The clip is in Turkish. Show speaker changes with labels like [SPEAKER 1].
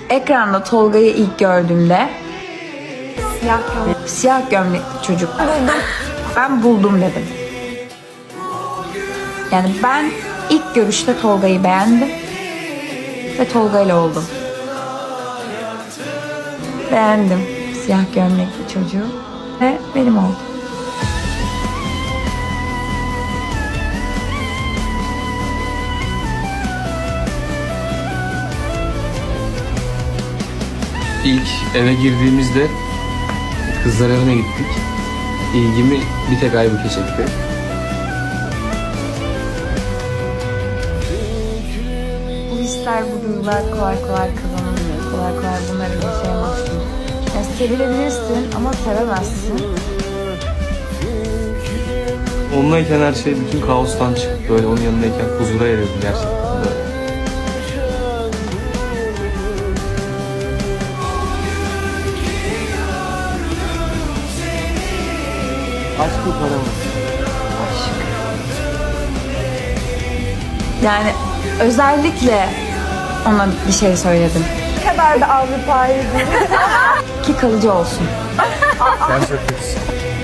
[SPEAKER 1] Ekranda Tolga'yı ilk gördüğümde
[SPEAKER 2] Siyah gömlek.
[SPEAKER 1] siyah gömlekli çocuk. Ben buldum dedim. Yani ben ilk görüşte Tolga'yı beğendim ve Tolga ile oldum. Beğendim siyah gömlekli çocuğu ve benim oldu.
[SPEAKER 3] İlk eve girdiğimizde kızlar evine gittik. İlgimi bir tek Aybüke çekti.
[SPEAKER 1] Bu hisler, bu duygular kolay kolay kazanılmıyor. Kolay kolay bunları yaşayamazsın. Yani sevilebilirsin ama sevemezsin.
[SPEAKER 3] Onunlayken her şey bütün kaostan çıkıp böyle onun yanındayken huzura eriyordum gerçekten. Böyle. Aşk mı para mı?
[SPEAKER 1] Yani özellikle ona bir şey söyledim.
[SPEAKER 2] Ne kadar da Avrupa'yı
[SPEAKER 1] Ki kalıcı olsun.
[SPEAKER 3] Sen çok kötüsün.